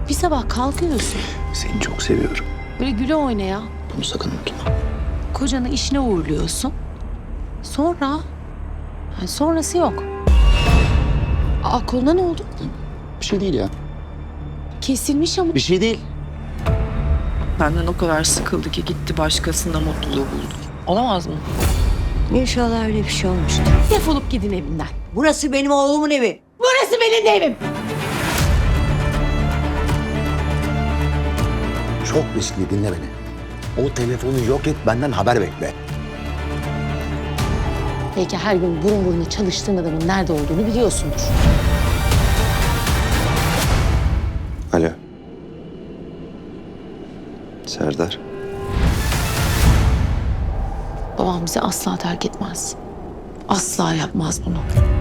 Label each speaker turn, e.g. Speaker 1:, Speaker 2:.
Speaker 1: Bir sabah kalkıyorsun.
Speaker 2: Seni çok seviyorum.
Speaker 1: Böyle güle oynaya
Speaker 2: Bunu sakın unutma.
Speaker 1: kocanı işine uğurluyorsun. Sonra... sonrası yok. Koluna ne oldu?
Speaker 2: Bir şey değil ya.
Speaker 1: Kesilmiş ama.
Speaker 2: Bir şey değil.
Speaker 3: Benden o kadar sıkıldı ki gitti başkasında mutluluğu buldu. Olamaz mı?
Speaker 4: İnşallah öyle bir şey olmuştur.
Speaker 1: Defolup gidin evimden.
Speaker 4: Burası benim oğlumun evi.
Speaker 1: Burası benim de evim.
Speaker 2: Çok riskli, dinle beni. O telefonu yok et, benden haber bekle.
Speaker 1: Belki her gün burun buruna çalıştığın adamın nerede olduğunu biliyorsundur.
Speaker 2: Alo. Serdar.
Speaker 1: Babam bizi asla terk etmez. Asla yapmaz bunu.